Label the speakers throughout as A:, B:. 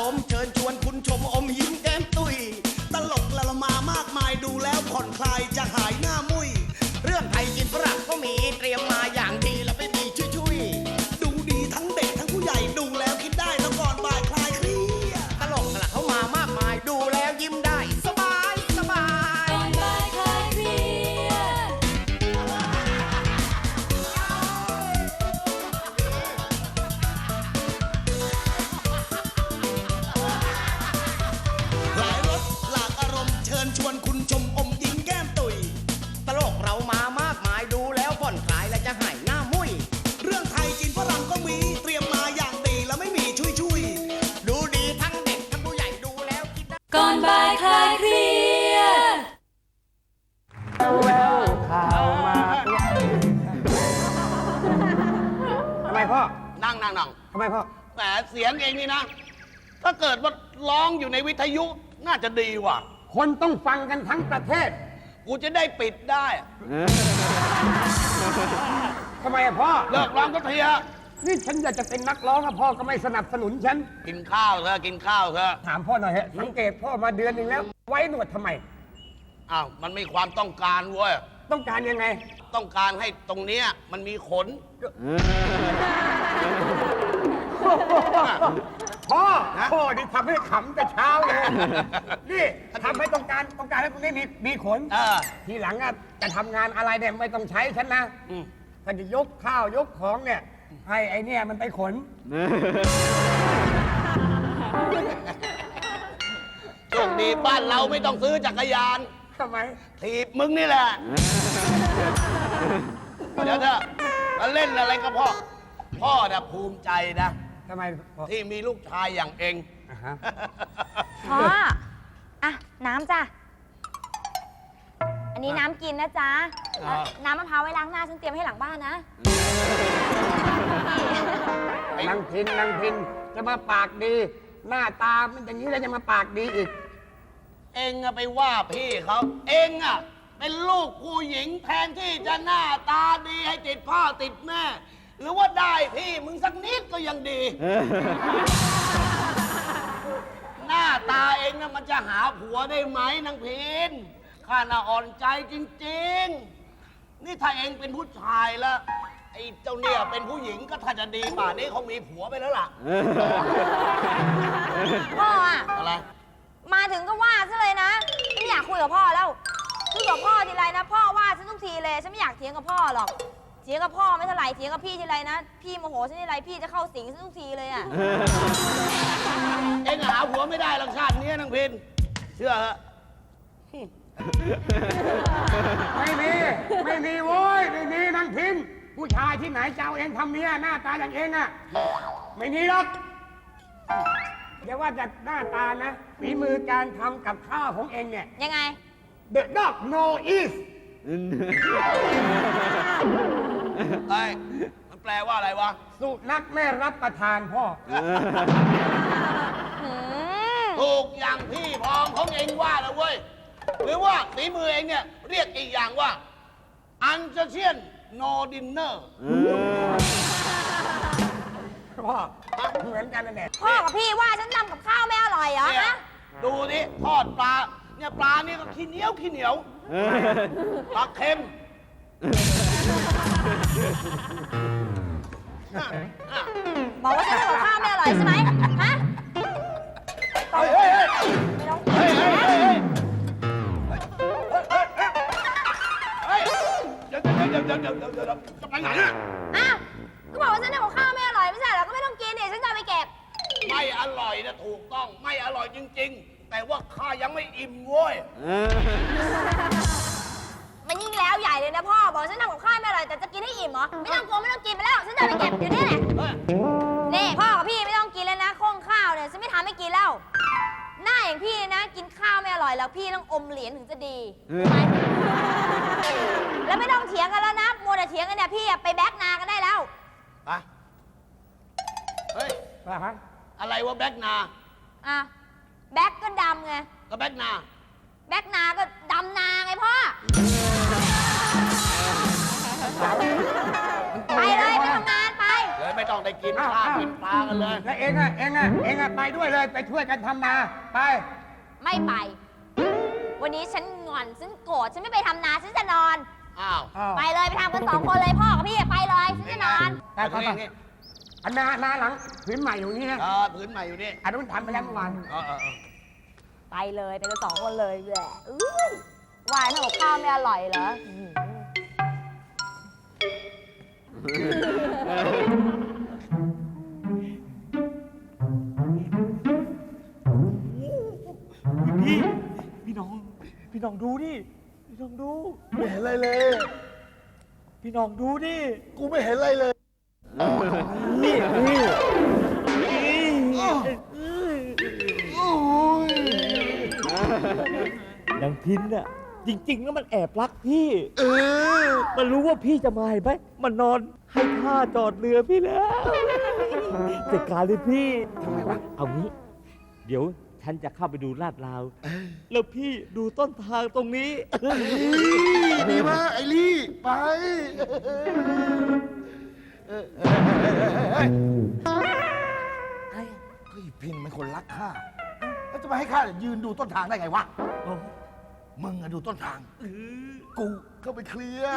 A: มณ์เชิญชวนคุณชมอมยิ้มแก้มตุยตลกละละมามากมายดูแล้วผ่อนคลายจะหายหน้ามุยเรื่องไทยกินฝรั่งก็มีเตรียมมาอย่างดีแล้วไม่มีชุยดูดีทั้งเด็กทั้งผู้ใหญ่ดูแล้วคิดได้แล้วก่อนบ่ายคลายเครียดตลกละเขามามากมายดูแล้วยิ้มได้สบายสบาย
B: ก่อนบ่ายคลายเครียด
A: หลายรสหลากอารมณ์เชิญชวนคุณชมอมยิ้มแก้มตุยตลกเรามามากมายดูแล้วผ่อนคลายและจะหายหน้ามุยเรื่องไทยกินฝรั่งก็มีเตรียมมาอย่างดีแล้วไม่มีชุยดูดีทั้งเด็กทั้งผู้ใหญ่ดูแล้วคิดได้
B: ก่อนบ่ายคลายเครียด
C: ข่าวมาทำไมพ่อ
D: นั่ง
C: ทำไมพ่อ
D: แหมเสียงเองนี่นะ ถ้าเกิดว่าร้องอยู่ในวิทยุน่าจะดีว่ะ
C: คนต้องฟังกันทั้งประเทศ
D: กูจะได้ปิดได้
C: ทำไมอะพ่อ
D: เลิกร้องก็เทีย
C: นี่ฉันอยากจะเป็นนักร้องอะพ่อก็ไม่สนับสนุนฉัน
D: กินข้าวเถอะกินข้าวเถอะ
C: ถามพ่อหน่อยฮะสังเกตพ่อมาเดือนหนึ่งแล้ว ไว้หนวดทำไม
D: อ้าวมันมีความต้องการเว้ย
C: ต้องการยังไง
D: ต้องการให้ตรงเนี้ยมันมีขน
C: พ่อพ่อนี่ทำให้ขำแต่เช้าเลย นี่ทำให้ต้องการให้ตรงนี้มีขน ทีหลังอะจะทำงานอะไรเนี่ยไม่ต้องใช้ฉันนะถ้าจะยกข้าวยกของเนี่ยให้ไอเนี่ยมันไปขน
D: โชคดีบ้านเราไม่ต้องซื้อจักรยาน
C: ทำไม
D: ถีบมึงนี่แหละ เดี๋ยวเถอะมาเล่นอะไรกับพ่อน่ะภูมิใจนะ
C: ทำไมพ่อ
D: ที่มีลูกชายอย่างเอง
E: พ่ออ่ะน้ำจ้ะ อันนี้น้ำกินนะจ๊ะ น้ำมะพร้าวไว้ล้างหน้าฉันเตรียมให้หลังบ้านนะ
C: นางพินจะมาปากดี หน้าตามันอย่างนี้แล้วจะมาปากดีอีก
D: เองอะไปว่าพี่เขาเองอะเป็นลูกผู้หญิงแทนที่จะหน้าตาดีให้ติดพ่อติดแม่ หรือว่าได้พี่มึงสักนิดก็ยังดี หน้าตาเองนะมันจะหาผัวได้ไหมนางพินข้าน่ะอ่อนใจจริงๆ นี่ถ้าเองเป็นผู้ชายแล้วไอ้เจ้าเนี่ยเป็นผู้หญิงก็ถ้าจะดีป่านนี้เขามีผัวไปแล้วล่ะ
E: พ่ออ่ะ
D: อะไร
E: มาถึงก็ว่าซะเลยนะฉันไม่อยากคุยกับพ่อแล้วคุยกับพ่อทีไรนะ พ่อว่าฉันทุกทีเลย ฉันไม่อยากเถียงกับพ่อหรอกเถียงกับพ่อไม่เท่าไหร่เถียงกับพี่ทีไรนะ พี่โมโหฉันทีไรพี่จะเข้าสิงฉันทุกทีเลยอ่ะ
D: เองหาผัวไม่ได้หรอกชาตินี้นางพินเชื่อเหอะ
C: ไม่มีโว้ยไม่มีนางพินผู้ชายที่ไหนจะเอาเองทำเมียหน้าตาอย่างเองอะไม่มีหรอกอย่าว่าแต่หน้าตานะฝีมือการทำกับข้าวของเองเนี่ย
E: ยังไง
C: The dog know is
D: เอ้ยมันแปลว่าอะไรวะ
C: สุนัขไม่รับประทานพ่อ
D: ถูกอย่างพี่พองของเองว่านะเว้ย หรือว่าฝีมือเองเนี่ยเรียกอีกอย่างว่า อันเชียนโนดินเนอร์
C: พ่อเหมือนกันนั่นแหละ
E: พ่อกับพี่ว่าฉันทำกับข้าวไม่อร่อยเหรอ
D: เนี่ย
E: ฮะ
D: ดูดิทอดปลา เนี่ยปลานี่ก็ขี้เหนียวปลาเค็ม
E: บอกว่าฉันทำกับข้าวไม่อร่อยใช่ไหมฮะ
D: เฮ้ย
E: ไม่ต้อง
D: เฮ้ยเดี๋ยวจะไปไหนอะ
E: อ้าวก็บอกว่าฉันทำกับข้าวไม่อร่อยไม่ใช่เหรอ ก็ไม่ต้องกินดิฉันจะเอาไปเก็บ
D: ไม่อร่อยนะถูกต้อง ไม่อร่อยจริง ๆ แต่ว่าข้ายังไม่อิ่มเว้ย
E: มันยิ่งแล้วใหญ่เลยนะพ่อ บอกฉันทำกับข้าวไม่อร่อยแต่จะกินให้อิ่มเหรอ ไม่ต้องกลัวไม่ต้องกินไปแล้ว ฉันจะเอาไปเก็บอยู่นี่แหละ นี่พ่อกับพี่ไม่ต้องกินแล้วนะโค้งข้าวเนี่ยฉันไม่ทำให้กินแล้ว หน้าอย่างพี่นะ กินข้าวไม่อร่อยแล้วพี่ต้องอมเหรียญถึงจะดีแล้วไม่ต้องเถียงกันแล้วนะมัวแต่เถียงกันเนี่ยพี่ไปแบ็กนากันได้แล้ว
D: ไปเฮ้ย อะไรวะแบ็กนา
E: อ่ะแบ็กก็ดำไง
D: ก็แบ็กนา
E: แบ็กนาก็ดำนาไงพ่อ ไปเลยไปทำงานไป
D: เลยไม่ต้องได้กินข้าวกินปลากันเลย
C: แล้วเองอะไปด้วยเลยไปช่วยกันทำนาไป
E: ไม่ไป วันนี้ฉันงอน ฉันโกรธ ฉันไม่ไปทำนา ฉันจะนอน
D: อ้าว
E: ไปเลยไปทำกัน2 คนเลยพ่อกับพี่ไปเลย ฉันจะนอน
C: ไปอันนาหลังผืนใหม่อยู่นี่นะ
D: พื้นใหม่อยู่นี่
C: อันนู้นทำไปแล้วเมื่อวาน
E: ไปเลยไปกัน2 คนเลยแหละอุ้ยวายทำกับข้าวไม่อร่อยเหรอ
F: พี่น้องดูดิ พี่น้องดู
D: ไม่เห็นอะไรเลย
F: พี่น้องดูดิ
D: กูไม่เห็นอะไรเลย
F: นางพินน่ะ จริงๆแล้วมันแอบรักพี่ มันรู้ว่าพี่จะมาเห็นไหมมันนอนให้ข้าจอดเรือพี่แล้วจัดการเลยพี่ทำไมวะ เอางี้ เดี๋ยวฉันจะเข้าไปดูลาดราว แล้วพี่ดูต้นทางตรงนี้
D: ดีมากไอ้ลี่ ไป เฮ้ยพินมันคนรักข้า แล้วจะมาให้ข้ายืนดูต้นทางได้ไงวะ มึงอะดูต้นทาง กูเข้าไปเคลียร์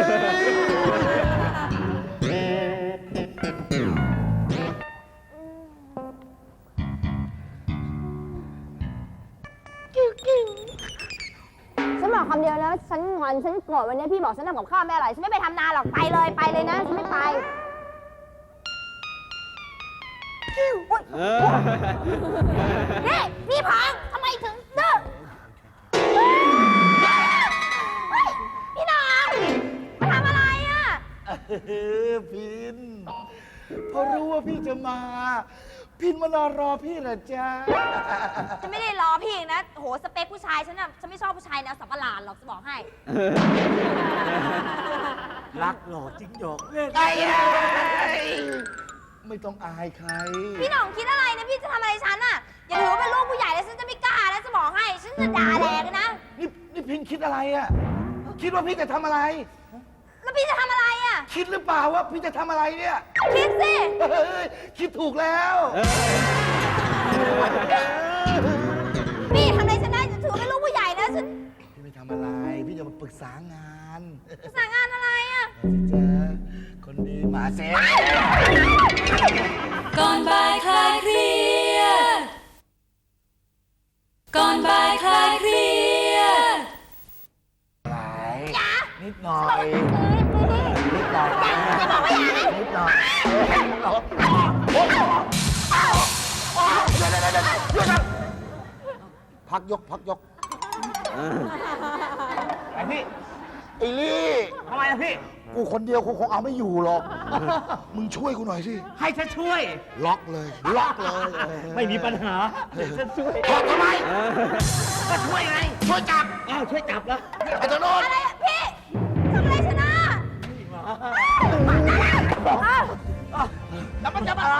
E: ฉันบอกคำเดียวแล้วฉันงอน ฉันโกรธวันนี้พี่บอกฉันทำกับข้าวไม่อร่อย ฉันไม่ไปทำนาหรอก ไปเลยนะ ฉันไม่ไปอุ๊ยนี่พี่พังทำไมถึงดื้อเฮ้ยพี่น้องมาทำอะไรอ่ะ
D: พิน พอรู้ว่าพี่จะมา พินมานอนรอพี่เหรอจ๊ะ
E: ฉันไม่ได้รอพี่อีกนะโหสเปคผู้ชายฉันน่ะฉันไม่ชอบผู้ชายแนวสับประหลาดหรอกจะบอกให้
F: รักหล่อจริงหยอกเล่น
D: ไม่ต้องอายใคร
E: พี่หน่องคิดอะไรนะพี่จะทำอะไรฉันอ่ะอย่าถือว่าเป็นลูกผู้ใหญ่แล้วฉันจะไม่กล้าแล้วจะบอกให้ฉันจะด่าแรงนะ
D: นี่พินคิดอะไรอ่ะ คิดว่าพี่จะทำอะไร
E: แล้วพี่จะทำอะไรอ่ะ
D: คิดหรือเปล่าว่าพี่จะทำอะไรเนี่ย
E: คิดสิ
D: เฮ้ยคิดถูกแล้ว
E: พี่ทำอะไรฉันได้จะถือว่าเป็นลูกผู้ใหญ่นะฉัน
D: พี่ไม่ทำอะไร พี่จะมาปรึกษางาน
E: สั่งงานอะไรอ่ะ
D: จ๊ะคนดีมาเซ็
B: ก่อนบ่ายคลายเครียด ก่อนบ่ายคลายเครียด
D: นิดหน่อยนิดหน่อยนิดหน่อยพักยก
C: ไอ้พี่
D: ไอ้ลี่
C: ทำไมอะพี่
D: กูคนเดียวคงเอาไม่อยู่หรอก มึงช่วยกูหน่อยสิ
C: ให้ฉันช่วย
D: ล็อกเลย ล็อกเลย
F: ไม่มีปัญหาฉันช่วย
D: ล็อกทำไม
C: ก็ช่วยไง
D: ช่วยจับ
F: อ้าวช่วยจับแล้ว
D: ไอ้เจ้าโน้น
E: อะไรอ่ะพี่ทำอะไรฉันอ่ะ
D: แล้วมันจะมา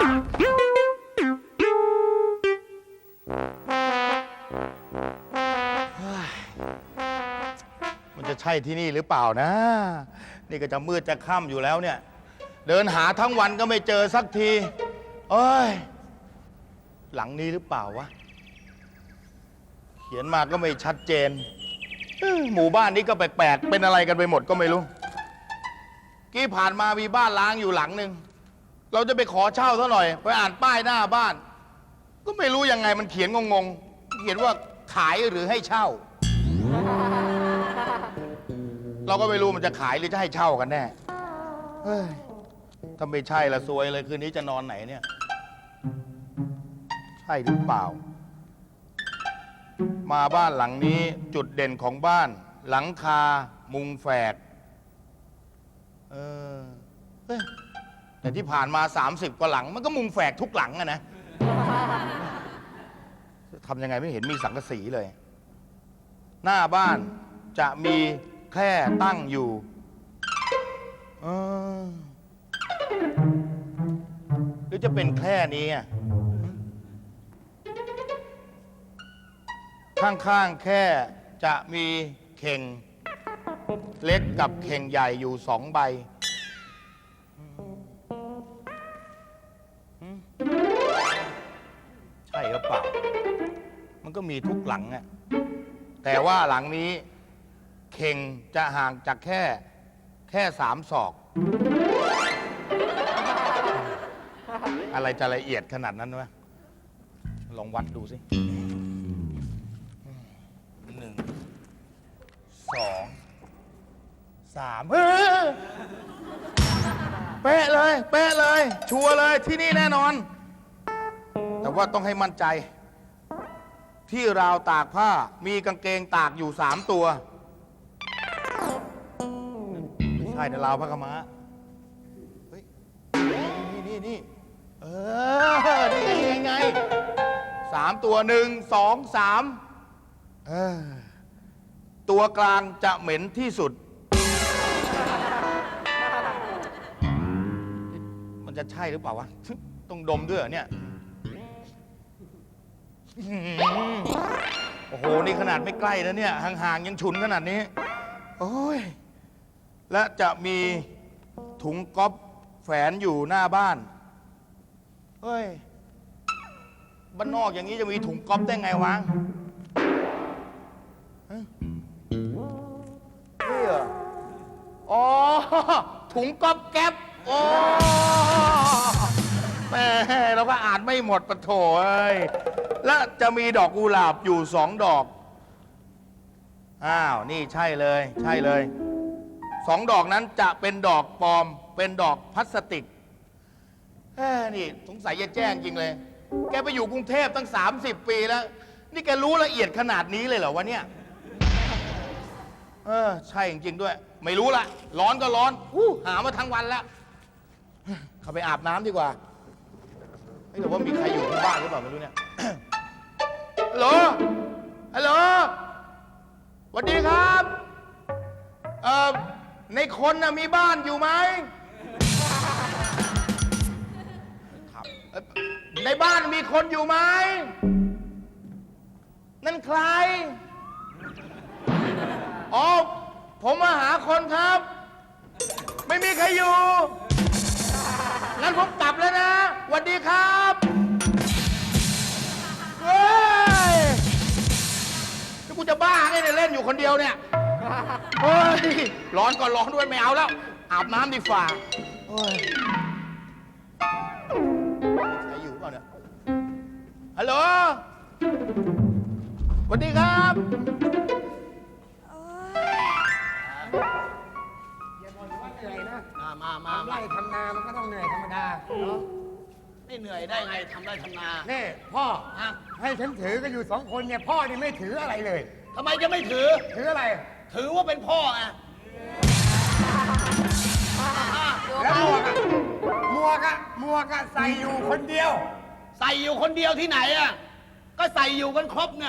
G: มันจะใช่ที่นี่หรือเปล่านะ นี่ก็จะมืดจะค่ำอยู่แล้วเนี่ย เดินหาทั้งวันก็ไม่เจอสักทีเอ้ย หลังนี้หรือเปล่าวะ เขียนมาก็ไม่ชัดเจนหมู่บ้านนี้ก็แปลกๆ เป็นอะไรกันไปหมดก็ไม่รู้ กี้ผ่านมามีบ้านล้างอยู่หลังหนึ่ง เราจะไปขอเช่าซะหน่อย ไปอ่านป้ายหน้าบ้าน ก็ไม่รู้ยังไงมันเขียนงงๆ เขียนว่าขายหรือให้เช่า เราก็ไม่รู้มันจะขายหรือจะให้เช่ากันแน่ เฮ้ย ถ้าไม่ใช่ละซวยเลยคืนนี้จะนอนไหนเนี่ย ใช่หรือเปล่า มาบ้านหลังนี้จุดเด่นของบ้าน หลังคา มุงแฝก เฮ้ย แต่ที่ผ่านมา 30 กว่าหลัง มันก็มุงแฝกทุกหลังอะนะ ทำยังไงไม่เห็นมีสังกะสีเลย หน้าบ้านจะมีแคร่ตั้งอยู่หรือจะเป็นแคร่นี้อะข้างๆแคร่จะมีเข่งเล็กกับเข่งใหญ่อยู่2 ใบมันก็มีทุกหลังอะแต่ว่าหลังนี้เข่งจะห่างจากแค่3 ศอก อะไรจะละเอียดขนาดนั้นวะลองวัดดูสิ 1 2 3เฮ้ยเป๊ะเลย เป๊ะเลย ชัวร์เลยที่นี่แน่นอน แต่ว่าต้องให้มั่นใจ ที่ราวตากผ้ามีกางเกงตากอยู่3 ตัว ไม่ใช่นะราวผ้าขาวม้าเฮ้ยนี่เออนี่ไง3 ตัว1 2 3ตัวกลางจะเหม็นที่สุด มันจะใช่หรือเปล่าวะ ต้องดมด้วยเหรอเนี่ย โอ้โห นี่ขนาดไม่ใกล้แล้วเนี่ย ห่างๆยังฉุนขนาดนี้ โอ้ย และจะมีถุงก๊อฟแฝนอยู่หน้าบ้าน เฮ้ย บ้านนอกอย่างนี้จะมีถุงก๊อฟได้ไงวะฮะนี่เหรอ อ๋อ ถุงก๊อฟแก๊ปโอ้แม่เราก็อ่านไม่หมดปะโถเอ้ย และจะมีดอกกุหลาบอยู่2 ดอก อ้าว นี่ใช่เลย ใช่เลย2 ดอกนั้นจะเป็นดอกปลอม เป็นดอกพลาสติกนี่สงสัยจะแจ้งจริงเลย แกไปอยู่กรุงเทพตั้ง30 ปีแล้ว นี่แกรู้ละเอียดขนาดนี้เลยเหรอวะเนี่ย ใช่จริงๆด้วย ไม่รู้ละร้อนก็ร้อนหามาทั้งวันแล้ว เข้าไปอาบน้ำดีกว่าไม่รู้ว่ามีใครอยู่ที่บ้านหรือเปล่าไม่รู้เนี่ย ฮัลโหล ฮัลโหล สวัสดีครับ ในคนน่ะมีบ้านอยู่ไหมครับในบ้านมีคนอยู่ไหม นั่นใคร อ๋อ ผมมาหาคนครับ ไม่มีใครอยู่ งั้นผมกลับแล้วนะสวัสดีครับเฮ้ยนี่กูจะบ้าไงเนี่ยเล่นอยู่คนเดียวเนี่ยเฮ้ยร้อนก็ร้อนด้วยไม่เอาแล้ว อาบน้ำดีฝ่าเฮ้ยใครอยู่เปล่าเนี่ย ฮัลโหล สวัสดีครับ
C: อย่าบ่นว่าเหนื่อยนะ
D: มา
C: ทำไร่ทำนามันก็ต้องเหนื่อยธรรมดาเนาะ
D: ไม่เหนื่อยได้ไงทำได้ทำนา
C: นี่พ่อ
D: ฮะ
C: ให้ฉันถือก็อยู่2 คนเนี่ยพ่อนี่ไม่ถืออะไรเลย
D: ทำไมจะไม่ถือ
C: ถืออะไร
D: ถือว่าเป็นพ่อไง
C: แล้วหมวกอะใส่อยู่คนเดียว
D: ใส่อยู่คนเดียวที่ไหนอ่ะ ก็ใส่อยู่กันครบเนี่ย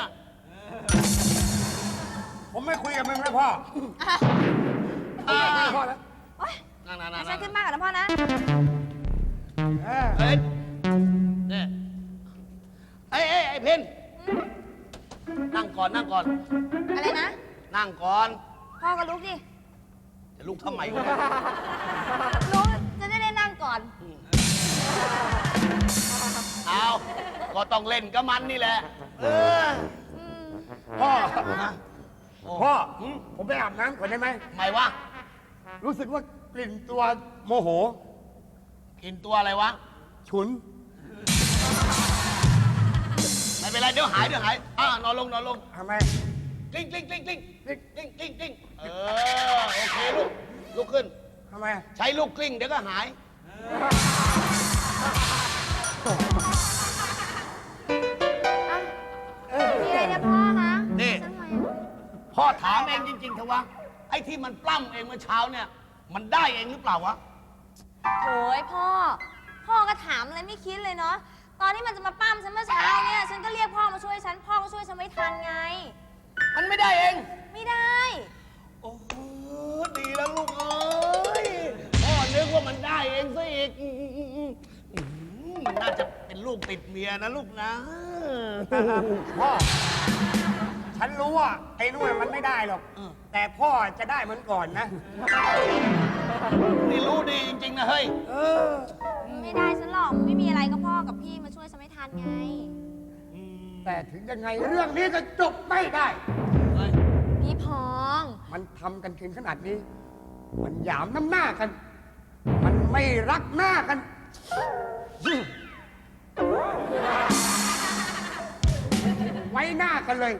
C: ผมไม่คุยกับมึงแล้วพ่อ
D: อ่า
C: พ่อแล้ว
E: โอ๊ย
D: นั่ง
E: ให้ฉันขึ้นมากกว่านะพ่อนะ
D: เฮ้ยเนี่ยไอ้เพนนั่งก่อน
E: อะไรนะ
D: นั่งก่อน
E: พ่อก็ลุกดิ
D: จะลุกทำไมวะ
E: ลุกจะได้นั่งก่อน
D: เอาก็ต้องเล่นกับมันนี่แหละ
C: พ่อ พ่อ ผมไปอาบน้ำก่อนได้ไหม
D: ทำไมวะ
C: รู้สึกว่ากลิ่นตัวโมโห
D: กินตัวอะไรวะ
C: ฉุน
D: ไม่เป็นไรเดี๋ยวหายนอนลง
C: ทำไม
D: กลิ้งเออโอเคลุกขึ้น
C: ทำไม
D: ใช้ลูกกลิ้งเดี๋ยวก็หาย
E: มีอะไรเนี่ยพ่อคะ
D: นี่
E: ฉัทำไม
D: พ่อถามเองจริงๆเถอะวะ ไอ้ที่มันปล้ำเองเมื่อเช้าเนี่ย มันได้เองหรือเปล่าวะ
E: โอ้ยพ่อ พ่อก็ถามอะไรไม่คิดเลยเนาะ ตอนที่มันจะมาปั้มฉันเมื่อเช้าเนี่ย ฉันก็เรียกพ่อมาช่วยฉัน พ่อก็ช่วยฉันไม่ทันไง
D: มันไม่ได้เอง
E: ไม่ได้
D: โอ้โหดีแล้วลูกเอ้ย พ่อนึกว่ามันได้เองซะอีกน่าจะเป็นลูกติดเมียนะลูกนะ
C: พ่อ ฉันรู้ว่าไอ้นู่นมันไม่ได้หรอก แต่พ่อจะได้เหมือนก่อนนะ
D: นี่รู้ดีจริงๆนะเฮ้ย
E: ไม่ได้ฉันหรอก ไม่มีอะไรก็พ่อกับพี่มาช่วยฉันไม่ทันไง
D: อืม
C: แต่ถึงยังไงเรื่องนี้ก็จบไม่ได้
E: พี่พอง
C: มันทำกันถึงขนาดนี้ มันหยามน้ำหน้ากัน มันไม่รักหน้ากัน ไว้หน้ากันเลย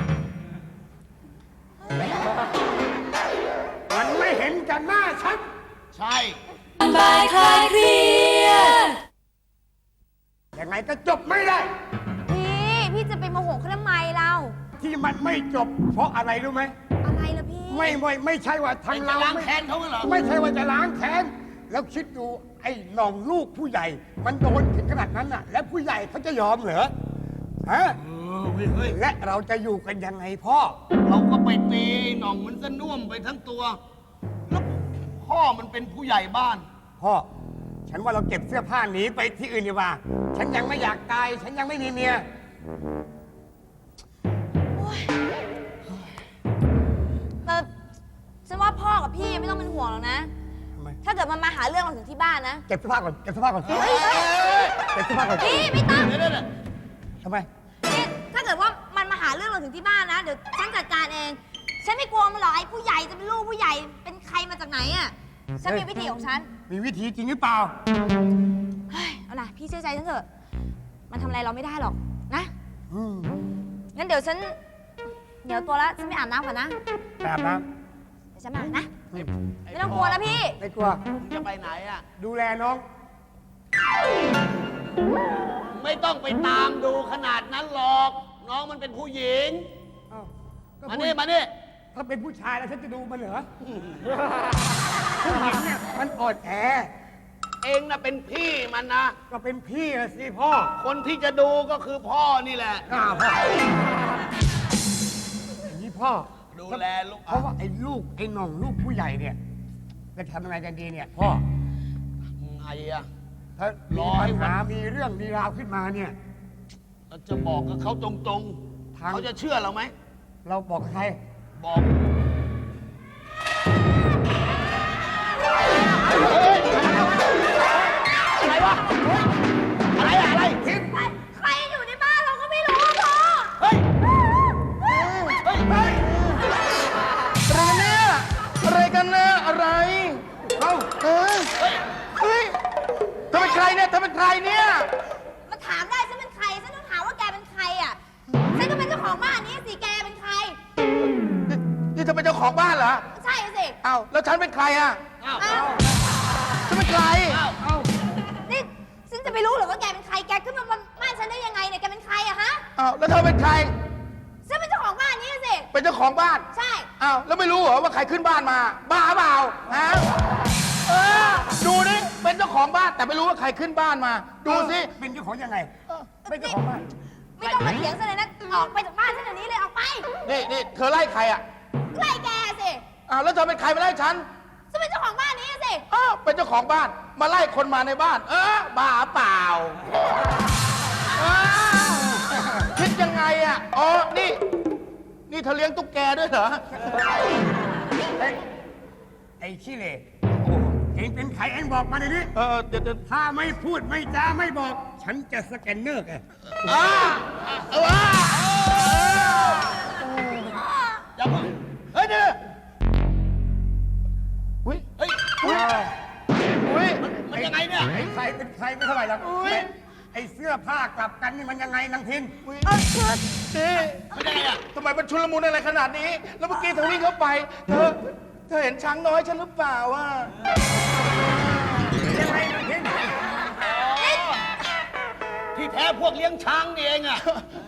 C: มันไม่เห็นกันหน้าฉัน
D: ใช่
B: บายคลายเครียด
C: ยังไงก็จบไม่ได้
E: พี่จะไปโมโหเขาทำไมเรา
C: ที่มันไม่จบ เพราะอะไรรู้ไหม
E: อะไรล่ะพี่
C: ไม่ใช่ว่าทางเรา
D: จะล้างแค้นเขาเหรอ
C: ไม่ใช่ว่าจะล้างแค้น แล้วคิดดูไอ้หน่องลูกผู้ใหญ่ มันโดนถึงขนาดนั้นน่ะ แล้วผู้ใหญ่เขาจะยอมเหรอฮะ
D: เฮ้ย
C: และเราจะอยู่กันยังไงพ่อ
D: เราก็ไปตีหน่องมันซะน่วมไปทั้งตัว แล้วพ่อมันเป็นผู้ใหญ่บ้าน
C: พ่อ ฉันว่าเราเก็บเสื้อผ้าหนีไปที่อื่นดีกว่า ฉันยังไม่อยากตาย ฉันยังไม่มีเมีย
E: แต่ฉันว่าพ่อกับพี่ไม่ต้องเป็นห่วงหรอกนะ
C: ทำไม
E: ถ้าเกิดมันมาหาเรื่องเราถึงที่บ้านนะ
C: เก็บเสื้อผ้าก่อน เก็บเสื้อผ้าก่อน
E: เฮ้ย
C: เก็บเสื้อผ้าก่อน
E: พี่ไม่ต้อง
D: เดี๋ยว
C: ทำไม
E: นี่ถ้าเกิดว่ามันมาหาเรื่องเราถึงที่บ้านนะ เดี๋ยวฉันจัดการเอง ฉันไม่กลัวมันหรอกไอ้ผู้ใหญ่จะเป็นลูกผู้ใหญ่ เป็นใครมาจากไหนอ่ะ ฉันมีวิธีของฉัน
C: มีวิธีจริงหรือเปล่า
E: เฮ้ย เอาล่ะพี่เชื่อใจฉันเถอะ มันทำอะไรเราไม่ได้หรอกนะ
C: อืม
E: งั้นเดี๋ยวฉัน เดี๋ยวตัวแล้วฉันไปอาบน้ำก่อนนะ
C: ไปอาบน้
E: เดี๋ยวฉันมานะ ไม่ต้องกลัวนะพี่
C: ำไม่กลัว
D: มึงจะไปไหนอ่ะ
C: ดูแลน้อง
D: ไม่ต้องไปตามดูขนาดนั้นหรอก น้องมันเป็นผู้หญิง
C: อ้าวก็
D: มา
C: ผู้
D: นี่มานี่
C: ถ้าเป็นผู้ชายแล้วฉันจะดูมันเหรอ ผู้หญิงเนี่ยมันอ่อนแอ
D: เองน่ะเป็นพี่มันนะ
C: ก็เป็นพี่อะสิพ่อ
D: คนที่จะดูก็คือพ่อนี่แหละ
C: พ่ออย่างนี้พ่อ
D: ดูแลลูก
C: เพราะว่าไอ้ลูกไอ้หน่องลูกผู้ใหญ่เนี่ยจะทำยังไงกันดีเนี่ยพ่อ
D: ไงอ่ะ
C: ถ้าร
D: อ
C: มี
D: ให้
C: ปัญ
D: วัน
C: หามีเรื่องมีราวขึ้นมาเนี่ย
D: เราจะบอกกับเขาตรง
C: ทาง
D: ๆ เขาจะเชื่อเราไหม
C: เราบอกใคร
D: บอก อะไรวะ อะไรอะอะไร
C: ทิพย์
E: ใครอยู่ในบ้านเราก็ไม่รู้อะพ่อ
D: เฮ้ย เฮ้ย
G: อะไรกันเนี่ย อะไรกันเนี่ยอะไร
C: เอ้า
G: เออเฮ้ยเธอเป็นใครเนี่ยเธอเป็นใครเนี่ย
E: มาถามได้ฉันเป็นใคร ฉันต้องถามว่าแกเป็นใครอ่ะ ฉันก็เป็นเจ้าของบ้านนี้สิ แกเป็นใคร
G: นี่เธอเป็นเจ้าของบ้านเหรอ
E: ใช่สิ
G: อ้าวแล้วฉันเป็นใครอ่ะ
D: อ้าว
E: อ้าว
G: ฉันเป็นใคร
D: อ้าว
C: เอ้า
E: นี่ฉันจะไปรู้เหรือว่าแกเป็นใคร แกขึ้นมาบนบ้านฉันได้ยังไงเนี่ย แกเป็นใครอะฮะ
G: อ้าวแล้วเธอเป็นใคร
E: ฉันเป็นเจ้าของบ้านนี้สิ
G: เป็นเจ้าของบ้าน
E: ใช่
G: อ้าวแล้วไม่รู้เหรอว่าใครขึ้นบ้านมา บ้าเปล่าฮะเออดูนี่เป็นเจ้าของบ้านแต่ไม่รู้ว่าใครขึ้นบ้านมา ดูสิ
C: เป็นเจ้าของยังไงเป็นเจ้าของบ้าน
E: ไม่ต้องมาเถียงฉันเลยนะ ออกไปจากบ้านฉันเดี๋ยวนี้เลย ออกไป
G: นี่เธอไล่ใครอ่ะ
E: ไล่แกสิ
G: อ้าวแล้วเธอเป็นใครมาไล่ฉัน
E: ฉันเป็นเจ้าของบ้านนี้สิ
G: อ้าวเป็นเจ้าของบ้านมาไล่คนมาในบ้าน บ้าเปล่าอ้าวคิดยังไงอ่ะอ๋อนี่เธอเลี้ยงตุ๊กแกด้วยเหรอ
C: ไอ้ขี้เหร่โอ้เองเป็นใครเองบอกมาในนี้
G: เดี๋ยว
C: ถ้าไม่พูดไม่จาไม่บอก ฉันจะสแกนเนอร์แก
D: อย่าเพิ่งเฮ้ยเดี๋ยว
G: อุ้ย
D: เฮ้ย
G: อุ้ย
D: มันยังไงเนี่ย
C: ไอ้ใครเป็นใครไม่เท่าไหร่หรอก
G: อุ๊ย
C: ไอ้เสื้อผ้ากลับกันนี่มันยังไงนางพิน
G: อุ้ย
D: มันยังไงอ่ะ
G: ทำไมมันชุลมุนอะไรขนาดนี้ แล้วเมื่อกี้เธอวิ่งเข้าไป เธอเห็นช้างน้อยฉันหรือเปล่าอ่ะ
C: ยังไงนางพิน
D: ที่แท้พวกเลี้ยงช้างนี่เองอ่ะ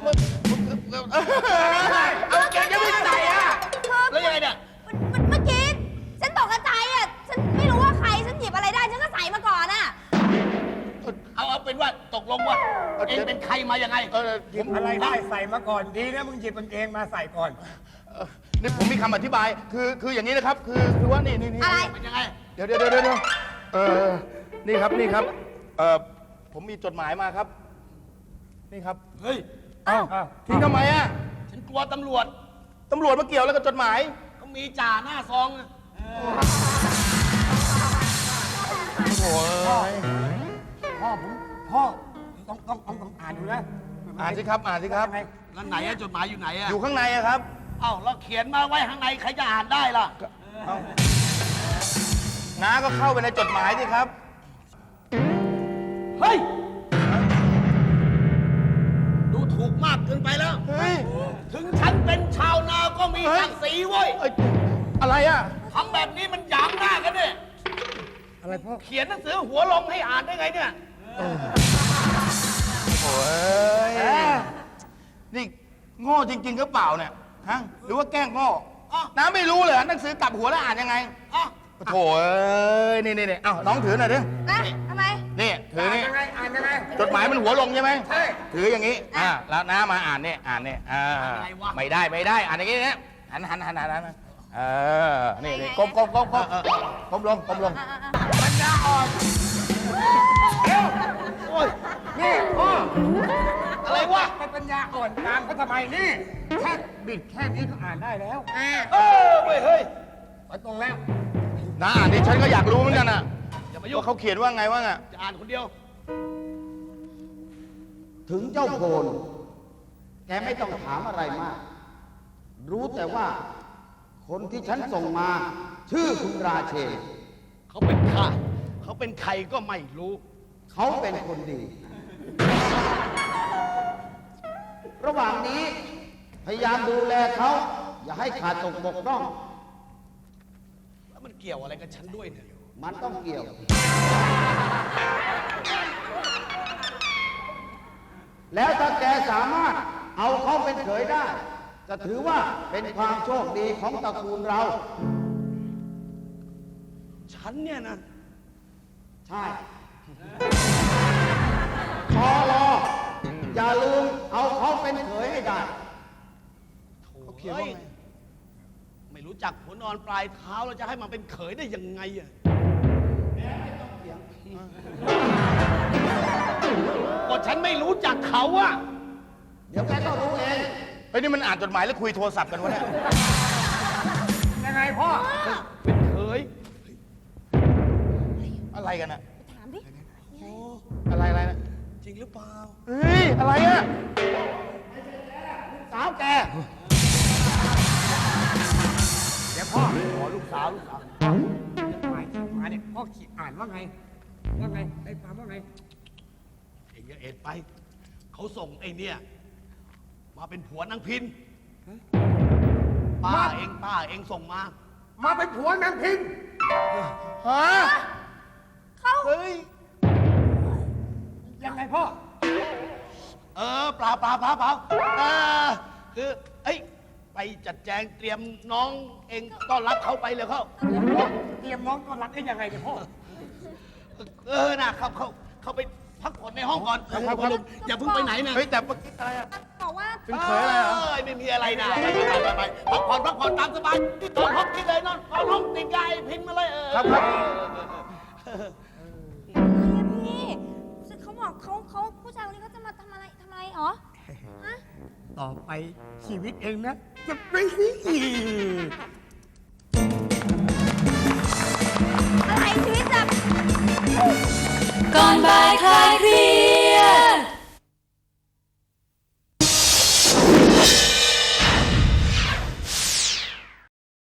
G: เอาแกยังไม่ใส่อ่ะ
D: แล้วยังไงเนี่ย
E: เมื่อกี้ฉันตกใจอ่ะ ฉันไม่รู้ว่าใคร ฉันหยิบอะไรได้ ฉันก็ใส่มาก่อนอ่ะ
D: เอาเป็นว่าตกลงว่าเองเป็นใครมายังไง
C: หยิบอะไรได้ใส่มาก่อนดีนะมึงหยิบกางเกงมาใส่ก่อน
G: นี่ผมมีคำอธิบาย คืออย่างนี้นะครับ คือว่านี่
E: อะไร
D: เป็นยังไง
G: เดี๋ยวนี่ครับ ผมมีจดหมายมาครับ นี่ครับ
D: เฮ้ย
G: เอ้าทิ้งทำไมอ่ะ
D: ฉันกลัวตำรวจ
G: ตำรวจมาเกี่ยวแล้วกับจดหมาย
D: เขามีจ่าหน้าซองอะ
G: โอ้ย
C: พ่อต้องอ่านดูนะ
G: อ่านสิครับ อ่านสิครับ
D: แล้วไหนอะจดหมายอยู่ไหนอะ
G: อยู่ข้างในอะครับ
D: เอ้าเราเขียนมาไว้ข้างในใครจะอ่านได้ล่ะ
G: น้าก็เข้าไปในจดหมายสิครับ
D: เฮ้ย ดูถูกมากเกินไปแล้ว
G: เฮ้ย
D: ถึงฉันเป็นชาวนาก็มี
G: เฮ้ย
D: ศักดิ์ศรีเว้ย
G: เอ้ยอะไรอะ
D: ทำแบบนี้มันหยามหน้ากันเนี่ย
C: อะไรพ่อ
D: เขียนหนังสือหัวลงให้อ่านได้ไงเนี่ย
G: โอ้ยนี่โง่จริงๆก็เปล่าเนี่ย ฮะ หรือว่าแกล้งโง่
D: อ้าว
G: น้าไม่รู้เลยหนังสือกลับหัวแล้วอ่านยังไง
D: อ่ะ
G: โถ่เอ้ย นี่เอ้าน้องถือหน่อยดิ
E: นะทำไม
G: นี่ถือนี่
C: ยังไงอ่านยังไง
G: จดหมายมันหัวลงใช่ไหม
C: ใช่
G: ถืออย่างนี้ แล้วน้ามาอ่านเนี่ยไม่ได้ อ่านอย่างนี้เนี่ยหันนี่ก้มลง
C: ปัญญาอ่อนเดี๋ยวโอ้ยนี่พ่อ
D: อะไรวะ
C: ไปปัญญาอ่อนตามเขาทำไมนี่แค่บิดแค่นี้ก็อ่านได้แล้ว
D: เว้ยเฮ้ย
C: ไปตรงแล้ว
G: น้าอ่านดิฉันก็อยากรู้เหมือนกันน่ะ
D: อย่ามายุ่ง
G: ว่าเขาเขียนว่าไงวะน่ะ
D: จะอ่านคนเดียว
H: ถึงเจ้าโพนแกไม่ต้องถามอะไรมาก รู้แต่ว่า คนที่ฉันส่งมา ชื่อคุณราเชน
D: เขาเป็นข้าเขาเป็นใครก็ไม่รู้
H: เขาเป็นคนดี ระหว่างนี้ พยายามดูแลเขา อย่าให้ขาดตกบกพร่อง
D: แล้วมันเกี่ยวอะไรกับฉันด้วยเนี่ย
H: มันต้องเกี่ยว แล้วถ้าแกสามารถเอาเขาเป็นเขยได้ จะถือว่าเป็นความโชคดีของตระกูลเรา
D: ฉันเนี่ยนะ
H: ใช่พอรอ อย่าลืมเอาเขาเป็นเขยให้ได้
D: เขาเขียนว่าไงไม่รู้จักหัวนอนปลายเท้าเราจะให้มันเป็นเขยได้ยังไงอะก็ฉันไม่รู้จักเขาอะ
H: เดี๋ยวแกก็รู้เอง
G: เฮ้ยนี่มันอ่านจดหมายแล้วคุยโทรศัพท์กันวะเนี่ย
C: ยังไงพ่อ
D: เป็นเขย
G: อะไรกันน่ะ
E: ถามดิ
G: อะไรนะ
D: จริงหรือเปล่า
G: เฮ้ย อะไรอะ
H: สาวแก
C: เดี๋ยวพ่อขอลูกสาวหมายมาเนี่ยพ่อขีดอ่านว่าไงได้ความว่าไง
D: เองอย่าเอ็ดไป เขาส่งไอ้เนี่ย มาเป็นผัวนางพินป้าเองส่งมา
C: มาเป็นผัวนางพิมพ์
G: ฮะ
E: เขา
G: เฮ้ย
C: ยังไงพ่อ
D: เปล่าคือเอ้ยไปจัดแจงเตรียมน้องเองต้อนรับเขาไปเลยเขา
C: เตรียมน้องต้อนรับได้ยังไงเนี่ยพ่อ
D: น่ะเขาไปพักผ่อนในห้องก่อน
G: ครับ
D: อย่าเพิ่งไปไหนนะ
G: เฮ้ย แต่เมื่อกี้อะไรอะ
E: บอกว่า
G: เป็นเขยอะไรเหรอ
D: ไม่มีอะไรนะไปพักผ่อนตามสบายที่นอนห้องที่เลยนอนห้องติดยายพินมาเลย
G: ครับ
E: พี่เขาบอกเขาผู้ชายคนนี้เขาจะมาทำอะไรหรอ ฮะ
C: ต่อไปชีวิตเองนะ จะไม่
E: อะไรชีวิตแบบ
B: ก่อนบ่ายคลายเค